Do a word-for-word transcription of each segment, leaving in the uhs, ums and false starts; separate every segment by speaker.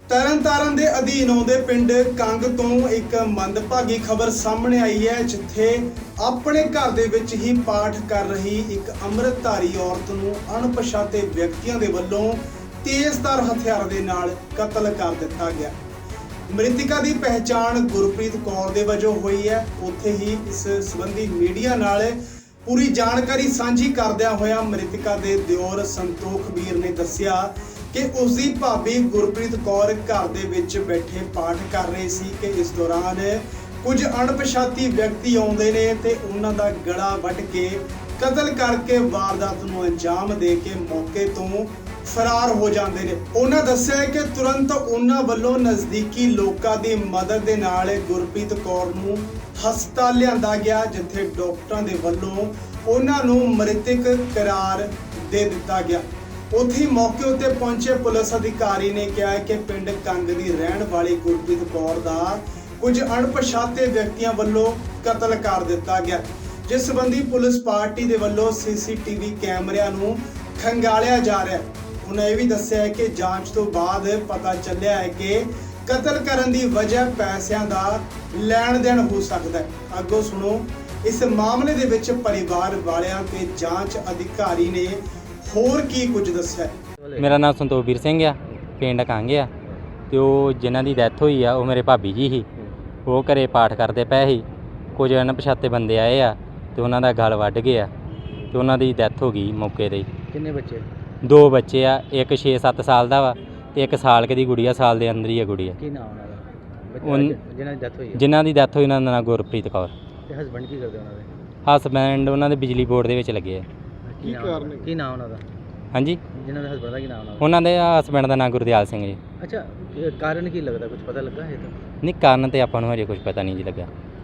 Speaker 1: ਤਰਨਤਾਰਨ ਦੇ ਅਧੀਨ ਆਉਂਦੇ ਪਿੰਡ ਕੰਗ ਤੋਂ ਇੱਕ ਮੰਦਭਾਗੀ ਖਬਰ ਸਾਹਮਣੇ ਆਈ ਹੈ, ਜਿੱਥੇ ਆਪਣੇ ਘਰ ਦੇ ਵਿੱਚ ਹੀ ਪਾਠ ਕਰ ਰਹੀ ਇੱਕ ਅੰਮ੍ਰਿਤਧਾਰੀ ਔਰਤ ਨੂੰ ਅਣਪਛਾਤੇ ਵਿਅਕਤੀਆਂ ਦੇ ਵੱਲੋਂ ਤੇਜ਼ਧਾਰ ਹਥਿਆਰ ਦੇ ਨਾਲ ਕਤਲ ਕਰ ਦਿੱਤਾ ਗਿਆ। ਮ੍ਰਿਤਕਾ ਦੀ ਪਹਿਚਾਣ ਗੁਰਪ੍ਰੀਤ ਕੌਰ ਦੇ ਵਜੋਂ ਹੋਈ ਹੈ। ਉੱਥੇ ਹੀ ਇਸ ਸੰਬੰਧੀ ਮੀਡੀਆ ਨਾਲ ਪੂਰੀ ਜਾਣਕਾਰੀ ਸਾਂਝੀ ਕਰਦਿਆਂ ਹੋਇਆ ਮ੍ਰਿਤਕਾ ਦੇ ਦਿਓਰ ਸੰਤੋਖ ਵੀਰ ਨੇ ਦੱਸਿਆ ਕਿ ਉਸ ਦੀ ਭਾਬੀ ਗੁਰਪ੍ਰੀਤ ਕੌਰ ਘਰ ਦੇ ਵਿੱਚ ਬੈਠੇ ਪਾਠ ਕਰ ਰਹੀ ਸੀ ਕਿ ਇਸ ਦੌਰਾਨ ਕੁਝ ਅਣਪਛਾਤੀ ਵਿਅਕਤੀ ਆਉਂਦੇ ਨੇ ਤੇ ਉਹਨਾਂ ਦਾ ਗਲਾ ਵੱਢ ਕੇ ਕਤਲ ਕਰਕੇ ਵਾਰਦਾਤ ਨੂੰ ਅੰਜਾਮ ਦੇ ਕੇ ਮੌਕੇ ਤੋਂ ਫਰਾਰ ਹੋ ਜਾਂਦੇ ਨੇ। ਉਹਨਾਂ ਦੱਸਿਆ ਕਿ ਤੁਰੰਤ ਉਹਨਾਂ ਵੱਲੋਂ ਨਜ਼ਦੀਕੀ ਲੋਕਾਂ ਦੀ ਮਦਦ ਦੇ ਨਾਲ ਗੁਰਪ੍ਰੀਤ ਕੌਰ ਨੂੰ ਹਸਪਤਾਲ ਲਿਆਂਦਾ ਗਿਆ, ਜਿੱਥੇ ਡਾਕਟਰਾਂ ਦੇ ਵੱਲੋਂ ਉਹਨਾਂ ਨੂੰ ਮ੍ਰਿਤਕ ਕਰਾਰ ਦੇ ਦਿੱਤਾ ਗਿਆ। ਉੱਥੇ ਮੌਕੇ ਉੱਤੇ ਪਹੁੰਚੇ ਪੁਲਿਸ ਅਧਿਕਾਰੀ ਨੇ ਕਿਹਾ ਕਿ ਪਿੰਡ ਕੰਗ ਦੀ ਰਹਿਣ ਵਾਲੀ ਗੁਰਪ੍ਰੀਤ ਕੌਰ ਦਾ ਕੁਝ ਅਣਪਛਾਤੇ ਵਿਅਕਤੀਆਂ ਵੱਲੋਂ ਕਤਲ ਕਰ ਦਿੱਤਾ ਗਿਆ, ਜਿਸ ਸੰਬੰਧੀ ਪੁਲਿਸ ਪਾਰਟੀ ਦੇ ਵੱਲੋਂ ਸੀਸੀਟੀਵੀ ਕੈਮਰਿਆਂ ਨੂੰ ਖੰਗਾਲਿਆ ਜਾ ਰਿਹਾ ਹੈ। ਉਹਨਾਂ ਇਹ ਵੀ ਦੱਸਿਆ ਹੈ ਕਿ ਜਾਂਚ ਤੋਂ ਬਾਅਦ ਪਤਾ ਚੱਲਿਆ ਹੈ ਕਿ ਕਤਲ ਕਰਨ ਦੀ ਵਜ੍ਹਾ ਪੈਸਿਆਂ ਦਾ ਲੈਣ ਦੇਣ ਹੋ ਸਕਦਾ ਹੈ। ਅੱਗੋਂ ਸੁਣੋ ਇਸ ਮਾਮਲੇ ਦੇ ਵਿੱਚ ਪਰਿਵਾਰ ਵਾਲਿਆਂ ਤੇ ਜਾਂਚ ਅਧਿਕਾਰੀ ਨੇ ਹੋਰ ਕੀ ਕੁਝ ਦੱਸਿਆ।
Speaker 2: ਮੇਰਾ ਨਾਮ ਸੰਤੋਖ ਵੀਰ ਸਿੰਘ ਆ, ਪਿੰਡ ਕੰਗ ਆ ਤੇ ਉਹ ਜਿਨ੍ਹਾਂ ਦੀ ਡੈਥ ਹੋਈ ਆ ਉਹ ਮੇਰੇ ਭਾਬੀ ਜੀ ਸੀ। ਉਹ ਘਰੇ ਪਾਠ ਕਰਦੇ ਪਏ ਸੀ, ਕੁਝ ਅਣਪਛਾਤੇ ਬੰਦੇ ਆਏ ਆ ਤੇ ਉਹਨਾਂ ਦਾ ਗਲ ਵੱਢ ਗਿਆ ਤੇ ਉਹਨਾਂ ਦੀ ਡੈਥ ਹੋ ਗਈ ਮੌਕੇ 'ਤੇ।
Speaker 3: ਕਿੰਨੇ ਬੱਚੇ?
Speaker 2: ਦੋ ਬੱਚੇ ਆ, ਇੱਕ ਛੇ ਸੱਤ ਸਾਲ ਦਾ ਵਾ ਤੇ ਇੱਕ ਸਾਲ ਕੁ ਦੀ ਗੁੜੀਆ, ਸਾਲ ਦੇ ਅੰਦਰ ਹੀ ਆ ਗੁੜੀਆ।
Speaker 3: ਕੀ ਨਾਮ ਉਹਨਾਂ ਦਾ?
Speaker 2: ਉਨ-
Speaker 3: ਬੱਚਾ ਜਿਹਨਾਂ ਦੀ ਡੈਥ ਹੋਈ ਹੈ।
Speaker 2: ਜਿਨ੍ਹਾਂ ਦੀ ਡੈਥ ਹੋਈ ਉਹਨਾਂ ਦਾ ਨਾਮ ਗੁਰਪ੍ਰੀਤ ਕੌਰ।
Speaker 3: ਤੇ ਹਸਬੰਡ ਕੀ ਕਰਦੇ ਉਹਨਾਂ ਦੇ?
Speaker 2: ਹਸਬੈਂਡ ਉਹਨਾਂ ਦੇ ਬਿਜਲੀ ਬੋਰਡ ਦੇ ਵਿੱਚ ਲੱਗੇ ਆ।
Speaker 3: ਕੀ ਕਾਰਨ? ਕੀ ਨਾਮ ਉਹਨਾਂ ਦਾ?
Speaker 2: ਹਾਂਜੀ,
Speaker 3: ਜਿਹਨਾਂ ਦੇ ਹਸਬੰਡ ਦਾ ਕੀ ਨਾਮ ਉਹਨਾਂ ਦਾ?
Speaker 2: ਉਹਨਾਂ ਦੇ ਹਸਬੈਂਡ ਦਾ ਨਾਮ ਗੁਰਦਿਆਲ ਸਿੰਘ ਜੀ।
Speaker 3: ਅੱਛਾ, ਇਹ ਕਾਰਨ ਕੀ ਲੱਗਦਾ? ਕੁਝ ਪਤਾ ਲੱਗਾ ਹੈ ਤਾਂ?
Speaker 2: ਨਹੀਂ, ਕਾਰਨ ਤੇ ਆਪਾਂ ਨੂੰ ਹਜੇ ਕੁਝ ਪਤਾ ਨਹੀਂ ਜੀ ਲੱਗਾ।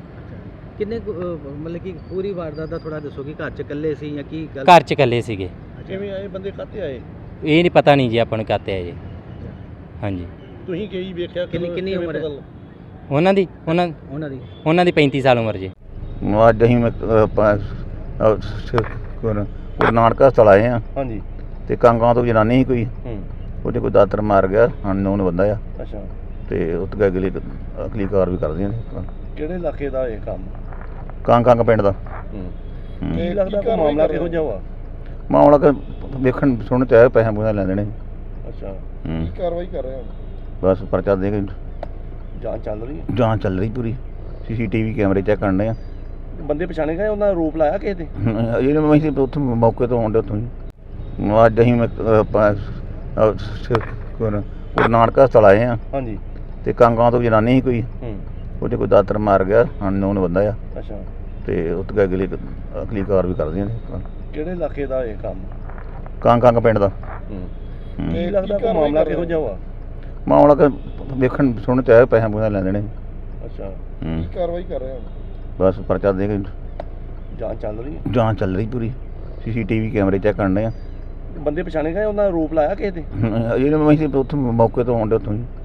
Speaker 3: ਕਿੰਨੇ ਕੁ, ਅਹ, ਮਤਲਬ ਕਿ ਪੂਰੀ ਵਾਰਦਾਤ ਦਾ ਥੋੜਾ ਦੱਸੋ ਕਿ ਘਰ 'ਚ ਇਕੱਲੇ ਸੀ ਜਾਂ ਕੀ ਗੱਲ?
Speaker 2: ਘਰ 'ਚ ਇਕੱਲੇ ਸੀਗੇ।
Speaker 3: ਕਿਵੇਂ ਆਏ ਬੰਦੇ? ਕਾਹਤੇ ਆਏ?
Speaker 2: ਇਹ ਨਹੀਂ ਪਤਾ ਨਹੀਂ ਜੀ ਆਪਾਂ ਨੂੰ ਕਾਤੇ ਆ ਜੀ। ਹਾਂਜੀ,
Speaker 3: ਤੁਸੀਂ ਕੀ ਵੇਖਿਆ? ਕਿੰਨੀ ਕਿੰਨੀ ਉਮਰ ਹੈ
Speaker 2: ਉਹਨਾਂ ਦੀ ਉਹਨਾਂ
Speaker 3: ਉਹਨਾਂ ਦੀ?
Speaker 2: ਉਹਨਾਂ ਦੀ ਪੈਂਤੀ ਸਾਲ ਉਮਰ ਜੀ।
Speaker 4: ਅੱਜ ਅਸੀਂ ਮੈਂ ਆਪਾਂ ਗੁਰੂ ਨਾਨਕ ਹਸਪਤਾਲ ਆਏ ਹਾਂ।
Speaker 3: ਹਾਂਜੀ।
Speaker 4: ਤੇ ਕਾਂਗਾਂ ਤੋਂ ਜਨਾਨੀ ਸੀ ਕੋਈ,
Speaker 3: ਹੂੰ।
Speaker 4: ਉਹਦੇ ਕੋਈ ਦਾਤਰ ਮਾਰ ਗਿਆ, ਅਨਨੋਨ ਬੰਦਾ ਆ।
Speaker 3: ਅੱਛਾ।
Speaker 4: ਤੇ ਉੱਥੇ ਅਗਲੀ ਅਗਲੀ ਕਾਰ ਵੀ ਕਰਦੀਆਂ ਨੇ।
Speaker 3: ਕਿਹੜੇ ਇਲਾਕੇ ਦਾ ਇਹ ਕੰਮ?
Speaker 4: ਕਾਂਗ ਕਾਂਗ ਪਿੰਡ ਦਾ।
Speaker 3: ਹੂੰ।
Speaker 4: ਹੂੰ।
Speaker 3: ਕੀ ਲੱਗਦਾ ਕੋਈ ਮਾਮਲਾ ਕਿਹੋ ਜਿਹਾ ਵਾ?
Speaker 4: ਮਾਮਲਾ ਕਿ ਵੇਖਣ ਸੁਣ ਤੇ ਆਏ, ਪੈਸੇ ਪੂਸੇ ਲੈਂਦੇ ਨੇ।
Speaker 3: ਅੱਛਾ।
Speaker 4: ਹੂੰ।
Speaker 3: ਕਾਰਵਾਈ ਕਰ ਰਹੇ ਹੋ?
Speaker 4: ਬਸ ਪਰਚਾ ਦੇ ਕੇ
Speaker 3: ਜਾਂਚ ਚੱਲ ਰਹੀ ਹੈ?
Speaker 4: ਜਾਂਚ ਚੱਲ ਰਹੀ ਪੂਰੀ। ਸੀਸੀਟੀਵੀ ਕੈਮਰੇ ਚੈੱਕ ਕਰਨੇ ਆ।
Speaker 3: ਬੰਦੇ ਪਛਾਣੇ ਗਏ? ਉਹਨਾਂ ਦਾ ਰੂਪ ਲਾਇਆ ਕਿਸੇ ਤੇ?
Speaker 4: ਇਹ ਮੈਂ ਅਸੀਂ ਉੱਥੋਂ ਮੌਕੇ ਤੋਂ ਆਉਂਦੇ ਉੱਥੋਂ ਹੀ। ਅੱਜ ਅਸੀਂ ਮੈਂ ਆਪਾਂ ਗੁਰੂ ਨਾਨਕ ਹਸਪਤਾਲ ਆਏ ਹਾਂ।
Speaker 3: ਹਾਂਜੀ।
Speaker 4: ਤੇ ਕਾਂਗਾਂ ਤੋਂ ਜਨਾਨੀ ਸੀ ਕੋਈ,
Speaker 3: ਹੂੰ।
Speaker 4: ਉਹਦੇ ਕੋਈ ਦਾਤਰ ਮਾਰ ਗਿਆ, ਅਨਨੋਨ ਬੰਦਾ ਆ।
Speaker 3: ਅੱਛਾ।
Speaker 4: ਤੇ ਉੱਥੇ ਅਗਲੀ ਅਗਲੀ ਕਾਰ ਵੀ ਕਰਦੀਆਂ ਨੇ।
Speaker 3: ਕਿਹੜੇ ਇਲਾਕੇ ਦਾ ਇਹ ਕੰਮ?
Speaker 4: ਕਾਂਗ ਕਾਂਗ ਪਿੰਡ ਦਾ।
Speaker 3: ਹੂੰ।
Speaker 4: ਹੂੰ।
Speaker 3: ਕੀ ਲੱਗਦਾ ਕੋਈ ਮਾਮਲਾ ਕਿਹੋ ਜਿਹਾ ਵਾ?
Speaker 4: ਮਾਮਲਾ ਕਿ ਵੇਖਣ ਸੁਣ ਤੇ ਆਏ, ਪੈਸੇ ਪੂਸੇ ਲੈਂਦੇ ਨੇ।
Speaker 3: ਅੱਛਾ।
Speaker 4: ਹੂੰ।
Speaker 3: ਕਾਰਵਾਈ ਕਰ ਰਹੇ ਹੋ? ਬਸ
Speaker 4: ਪਰਚਾ ਦੇ ਕੇ
Speaker 3: ਜਾਂਚ ਚੱਲ ਰਹੀ ਹੈ?
Speaker 4: ਜਾਂਚ ਚੱਲ ਰਹੀ ਪੂਰੀ। ਸੀਸੀਟੀਵੀ ਕੈਮਰੇ ਚੈੱਕ ਕਰਨੇ ਆ।
Speaker 3: ਬੰਦੇ ਪਛਾਣੇ ਗਏ? ਉਹਨਾਂ ਦਾ ਰੂਪ ਲਾਇਆ ਕਿਸੇ ਤੇ?
Speaker 4: ਇਹ ਮੈਂ ਅਸੀਂ ਉੱਥੋਂ ਮੌਕੇ ਤੋਂ ਆਉਂਦੇ ਉੱਥੋਂ ਹੀ।